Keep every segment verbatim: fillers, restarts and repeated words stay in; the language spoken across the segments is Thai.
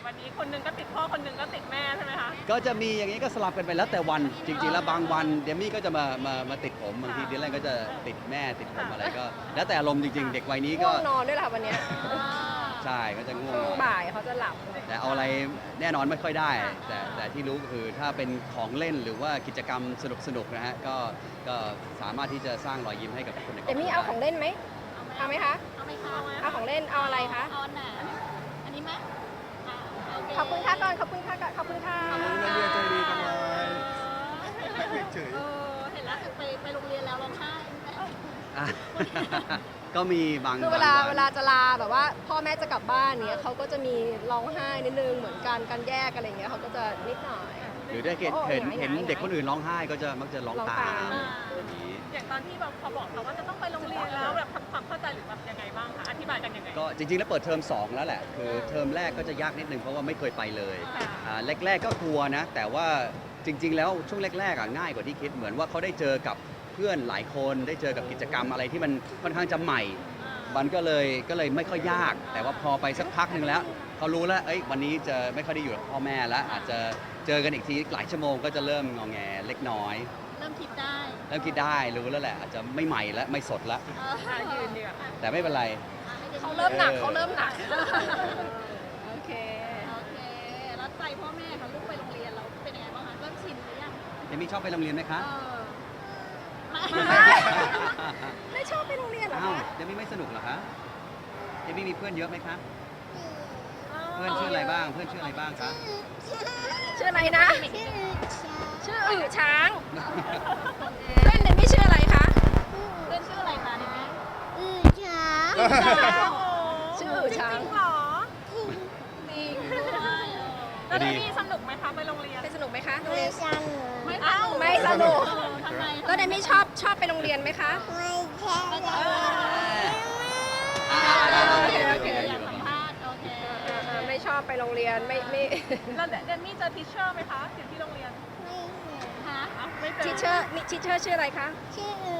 วันนี้คนหนึงก็ติดพ่อคนหนึงก็ติดแม่ใช่ไหมคะก็จะมีอย่างนี้ก็สลับกันไปแล้วแต่วันจริงๆแล้วบางวันเดมี่ก็จะมามามาติดผมบางทีดิแลนก็จะติดแม่ติดผมอะไรก็แล้วแต่อารมณ์จริงๆเด็กวัยนี้ก็ง่วงนอนด้วยล่ะวันเนี้ยใช่ก็จะง่วงช่วงนอนบ่ายเขาจะหลับแต่เอาอะไรแน่นอนไม่ค่อยได้ แต่แต่ที่รู้ก็คือถ้าเป็นของเล่นหรือว่ากิจกรรมสนุกๆนะฮะก็ก็สามารถที่จะสร้างรอยยิ้มให้กับคนในครอบคเดี๋ยวรัวมี่เอาของเล่นไหมเอาไหมคะเอาไหมคะเอาของเล่นเอาอะไรคะเอาอันไหนอันนี้ไหมอ่ะโเขอบคุณค่ะก่อนขอบคุณค่ะก่อนขอบคุณค่ะนักเรียนใจดีจังเลยเฉยเออเห็นล่าสุดไปไปโรงเรียนแล้วร้องไห้ไหมอ่ะ ก็มีบางคือเวลาบงนเวลาจะลาแบบว่าพ่อแม่จะกลับบ้านเนี้ยเขาก็จะมีร้องไห้นิดนึงเหมือนกันการแยกอะไรเงี้ยเขาก็จะนิดหน่อยหรือได้เห็นโอ้เห็นหงายเห็นหงายเด็กคนอื่นร้องไห้ก็จะมักจะร้องร้องตาตาม มอย่างนี้อย่างตอนที่แบบเขาบอกเขาว่าจะต้องไปโรงเรียนแล้วแบบทำความเข้าใจหรือแบบยังไงบ้างคะอธิบายกันยังไงก็จริงๆแล้วเปิดเทอมสองแล้วแหละ คือเทอมแรกก็จะยากนิดนึงเพราะว่าไม่เคยไปเลยค่ะอ่าแรกๆก็กลัวนะ แต่ว่าจริง ๆ แล้วช่วงแรกๆอ่ะง่ายกว่าที่คิดเหมือนว่าเขาได้เจอกับเพื่อนหลายคนได้เจอกับกิจกรรมอะไรที่มันค่อนข้างจะใหม่ มันก็เลยก็เลยไม่ค่อยยาก แต่ว่าพอไปสักพักหนึ่งแล้วเขารู้แล้วเอ้ยวันนี้จะไม่ค่อยได้อยู่กับพ่อแม่แล้ว อาจจะเจอกันอีกทีหลายชั่วโมงก็จะเริ่มงอแงเล็กน้อยเริ่มคิดได้เริ่มคิดได้รู้แล้วแหละอาจจะไม่ใหม่แล้วไม่สดแล้วเอออ่ะยืนดีกว่าแต่ไม่เป็นไรเขาเริ่มหนักเขาเริ่มหนักโอเคโอเคแล้วใจพ่อแม่ค่ะลูกไปโรงเรียนเราเป็นยังไงบ้างคะเริ่มชินหรือยังเจมี่ชอบไปโรงเรียนไหมคะเออไม่ไม่ชอบไปโรงเรียนเหรออ้าวคะเจมี่ไม่สนุกเหรอคะเจมี่มีเพื่อนเยอะไหมคะเพื่อนชื่ออะไรบ้างเพื่อนชื่ออะไรบ้างคะชื่ออะไรนะ ชื่ออือช้างเพื่อนเดนไม่ชื่ออะไรคะเพื่อนชื่ออะไรคะเนี่ยชื่ออือช้างจริงเหรอจริงด้วยแล้วเดมี่สนุกไหมคะไปโรงเรียนไปสนุกไหมคะโรงเรียนไม่เอ้าไม่สนุกเออทำไมแล้วเดนไม่ชอบชอบไปโรงเรียนไหมคะอ่าโอเคโอเคอยากสัมภาษณ์โอเคอ่าๆไม่ชอบไปโรงเรียนไม่ไม่แล้วเดมี่เจอทิชเชอร์ไหมคะอยู่ที่โรงเรียนฮะอ้าวไม่เจอทิเชอร์มีทิเชอร์ชื่ออะไรคะๆ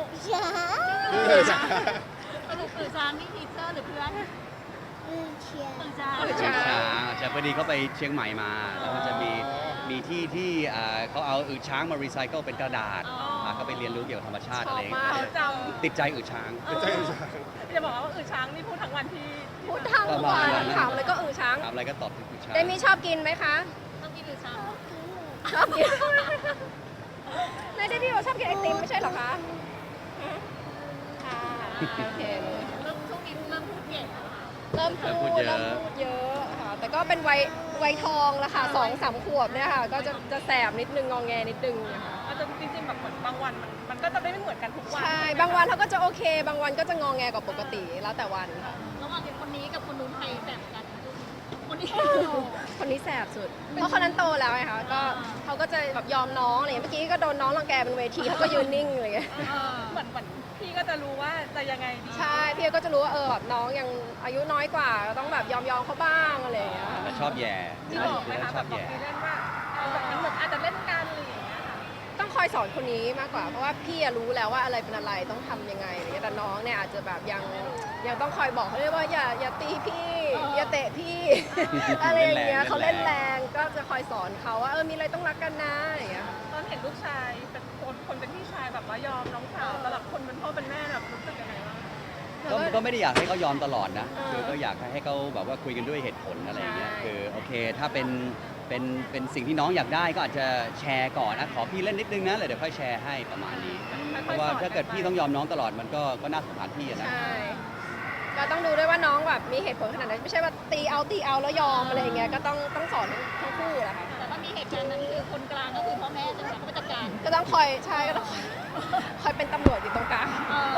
สรุปคือจานนี่ทีเซอร์หรือเพื่อนคือจานอือช้าช้างงใช่พอดีเขาไปเชียงใหม่มา แล้วมันจะมีมีที่ที่อ่าเขาเอาอึช้างมารีไซเคิลเป็นกระดาษอ่าเขาไปเรียนรู้เกี่ยวกับธรรมชาติอะไรอย่างเงี้เขายจติดใจอึช้างใจอุตสาหำจะบอกว่าอือช้างนี่พูดทั้งวันที่พูดทั้งวันถามเลยก็อือช้างถามอะไรก็ตอบถึงอึช้างเดมี่ชอบกินไหมคะต้องกินหรือชาชอบกินในเดมี่บอกชอบกินไอติมไม่ใช่เหรอคะค่ะโอเคเริ่มช่วงนี้เริ่มพูดเก่งแล้วค่ะเริ่มพูดเริ่มพูดเยอะค่ะ แต่ก็เป็นวัยวัยทองละค่ะสองสามขวบเนี่ยค่ะ ก็จะจะแสบนิดนึงงองแงนิดนึงนะคะอาจจะจริงๆแบบเหมือนบางวันมันมันก็จะไม่เหมือนกันทุกวันใช่ บางวันเขาก็จะโอเค บางวันก็จะงองแงกว่าปกติ แล้วแต่วันค่ะระหว่างคนนี้กับคนนู้นใครแสบกันคนนี้คนนี้แสบสุด เพราะคนนั้นโตแล้วไงคะ ก็เขาก็จะแบบยอมน้องอะไรอย่างเงี้ยเมื่อกี้ก็โดนน้องรังแกบนเวทีเขาก็ยืนนิ่งอะไรอย่างเงี้ยเออเหมือนเหมือนพี่ก็จะรู้ว่าจะยังไงดีใช่ พี่ก็จะรู้ว่าเออแบบน้องยังอายุน้อยกว่าก็ต้องแบบยอมยอมเขาบ้างอะไรอย่างเงี้ยค่ะชอบแย่ที่บอกไหมคะชแบอบบ บอกแย่พี่เล่นว่าเออแบบมันเหมือนอาจจะเล่นกันอะไรอย่างเงี้ยค่ะต้องคอยสอนคนนี้มากกว่า เพราะว่าพี่อะรู้แล้วว่าอะไรเป็นอะไรต้องทำยังไงอะไรเงี้ยแต่น้องเนี่ยอาจจะแบบยังยังต้องคอยบอกเขาเรียกว่าอย่าอย่าตีพี่ อย่าเตะพี่ อะไรอย่างเงี้ยเขาเล่นแรงก็จะคอยสอนเขาว่าเออมีอะไรต้องรักกันนะอย่างเงี้ยตอนเห็นลูกชายเป็นคนคนเป็นพี่ชายแบบว่ายอมน้องสาวสำหรับคนเป็นพ่อเป็นแม่แบบรู้สึกยังไงบ้างก็ก็ไม่ได้อยากให้เขายอมตลอดนะเออคือก็อยากให้เขาแบบว่าคุยกันด้วยเหตุผลอะไรอย่างเงี้ยใช่คือโอเคถ้าเป็นเป็นเป็นสิ่งที่น้องอยากได้ก็อาจจะแชร์ก่อนนะขอพี่เล่นนิดนึงนะเลยเดี๋ยวค่อยแชร์ให้ประมาณนี้ เพราะว่าถ้าเกิดพี่ต้องยอมน้องตลอดมันก็ก็น่าสงสารพี่อะนะใช่ก็ต้องดูด้วยว่าน้องแบบมีเหตุผลขนาดไหนไม่ใช่ว่าตีเอาตีเอาแล้วยอมอะไรอย่างเงี้ยก็ต้องต้องสอนทั้งคู่แหละค่ะแต่ถ้ามีเหตุการณ์นั้นคือคนกลางก็คือพ่อแม่จังหวะเขาไปจัดการก็ต้องคอยใช่ก็ต้องคอยคอยเป็นตำรวจอยู่ตรงกลางเออ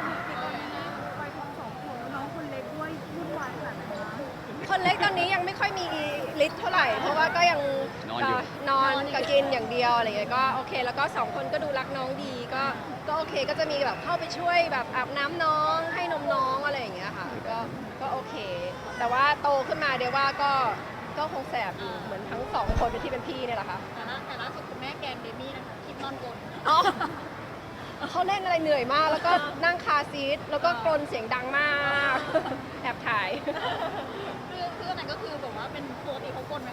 คนเล็กตอนนี้ยังไม่ค่อยมีฤทธิ์เท่าไหร่ เพราะว่าก็ยังนอนอยู่นอนกับกินอย่างเดียวอะไรอย่างเงี้ยก็โอเค แล้วก็สองคนก็ดูรักน้องดีก็ก็โอเคก็จะมีแบบเข้าไปช่วยแบบอาบน้ำน้องให้นมน้องอะไรอย่างเงี้ยค่ะก็ก็โอเค แต่ว่าโตขึ้นมาเดี๋ยวว่าก็ก็คงแสบอยู่เหมือนทั้งสองคนที่เป็นพี่เนี่ยแหละค่ะแต่ล่าแต่ล่าสุดคุณแม่แกนเดมี่นะคะคลิปนอนกลนอ๋อเขาเล่นอะไรเหนื่อยมาก แล้วก็นั่งคาร์ซีทแล้วก็กรนเสียงดังมากแอบถ่ายคือคืออันนั้นก็คือแบบว่าเป็นปกติเขากลน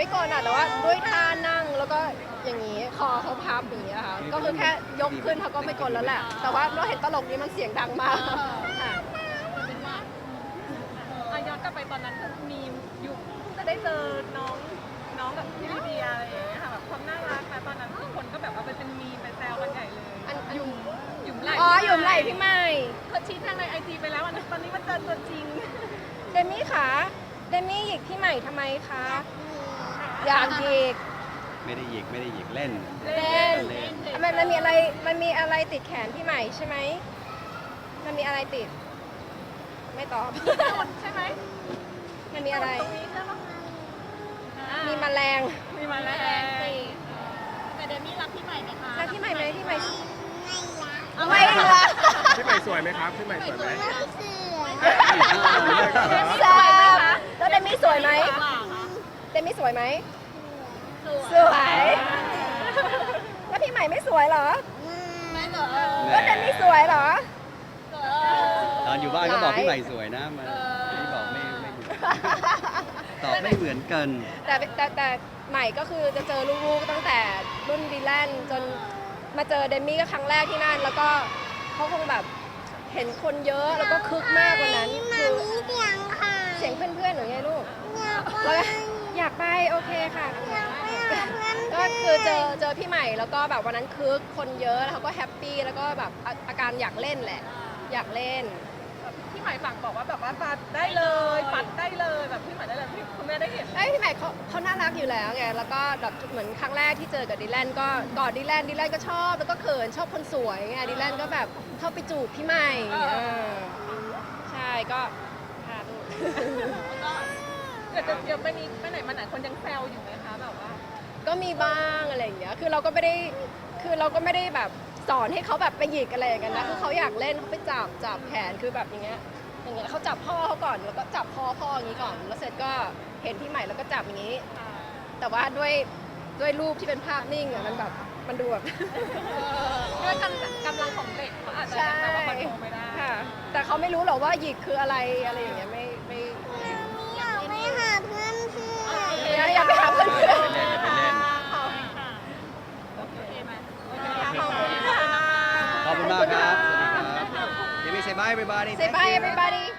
ไม่กดอ่ะแต่ว่าด้วยท่านั่งแล้วก็อย่างนี้คอเขาพับอย่างนี้ค่ะก็คือแค่ยกขึ้นเขาก็ไม่กดแล้วแหละ แต่ว่าเราเห็นตลกนี้มันเสียงดังมากค่ะเป็นว่าอ่ะย้อนกลับไปตอนนั้นคือมีอยู่เพิ่งจะได้เจอน้องน้องกับพี่ลีเดียอะไรอย่างเงี้ยค่ะแบบความน่ารักนะตอนนั้นทุกคนก็แบบว่าไปเป็นมีมไปแซวกันใหญ่เลยอันอันหยุ่มหยุ่มไหลอ๋อหยุ่มไหล่พี่ใหม่เขาชี้แจงในไอจีไปแล้วอันนี้ตอนนี้มันเจอตัวจริงเดมี่คะเดมี่หยิกพี่ใหม่ทำไมคะอยากหยิกไม่ได้หยิกไม่ได้หยิกเล่นเล่นเล่นมันมันมีอะไรมันมีอะไรติดแขนพี่ใหม่ใช่ไหมมันมีอะไรติด ไม่ตอบใช่ไหมมันมีอะไรตรงนี้ใช่ปะมีแมลงมีมาแล้วแต่เดมี่รักพี่ใหม่ไหมคะแล้วพี่ใหม่ไหมพี่ใหม่เอาไม่ไม่ละพี่ใหม่สวยไหมครับพี่ใหม่สวยไหมแซมแล้วเดมี่สวยไหมเดมี่สวยไหมสวย แล้วพี่ใหม่ไม่สวยเหรอไม่เหรอแล้วเดมี่สวยเหรอตอนอยู่บ้านก็บอกพี่ใหม่สวยนะมันนี่บอกไม่ไม่ตอบไม่เหมือนกันแต่แต่แต่ใหม่ก็คือจะเจอลูกๆตั้งแต่รุ่นดีแลนจนมาเจอเดมี่ก็ครั้งแรกที่นั่น แล้วก็เขาคงแบบเห็นคนเยอะแล้วก็คึกมากกว่านั้นคือเสียงเพื่อนๆหรือไงลูกแล้วก็อยากไปโอเคค่ะก็คือเจอเจอพี่ใหม่แล้วก็แบบวันนั้นคึกคนเยอะแล้วเขาก็แฮปปี้แล้วก็แบบอาอาการอยากเล่นแหละ อยากเล่นพี่ใหม่สั่งบอกว่าแบบว่าปัดได้เลยปัดได้เลยแบบพี่ใหม่ได้เลยพี่คุณแม่ได้เห็นไอ้ยพี่ใหม่เขาเขาน่ารักอยู่แล้วไง แล้วก็แบบเหมือนครั้งแรกที่เจอกับดิแลนก็กอดดิแลนดิแลนก็ชอบ แล้วก็เขินชอบคนสวยไงดิแลนก็แบบเข้าไปจูบพี่ใหม่เออใช่ก็พาลูกเดี๋ยวจะเดี๋ยวไปนี้ไปไหนมาไหนคนยังแซวอยู่ไหมคะแบบว่าก็มีบ้างอะไรอย่างเงี้ย คือเราก็ไม่ได้ คือเราก็ไม่ได้แบบสอนให้เขาแบบไปหยิกอะไรอย่างเงี้ยนะ คือเขาอยากเล่นเขาไปจับจับแขน คือแบบอย่างเงี้ย อย่างเงี้ยเขาจับพ่อเขาก่อน แล้วก็จับพ่อพ่ออย่างงี้ก่อน แล้วเสร็จก็เห็นพี่ใหม่แล้วก็จับอย่างงี้ แต่ว่าด้วยด้วยรูปที่เป็นภาพนิ่งอะมันแบบมันดูแบบด้วยกำกำลังของเด็กเขาอาจจะใช่ยังแบบว่าคอนโทรลไม่ได้ค่ะ แต่เขาไม่รู้หรอกว่าหยิกคืออะไรอะไรอย่างเงี้ยไม่ไม่อยากไปหาเพื่อนเพื่อนอยากไปหาเพื่อนไปเล่นไปเล่นโอเคไหมขอบคุณมากครับ สวัสดีครับ Let me say bye everybody เซบาย everybody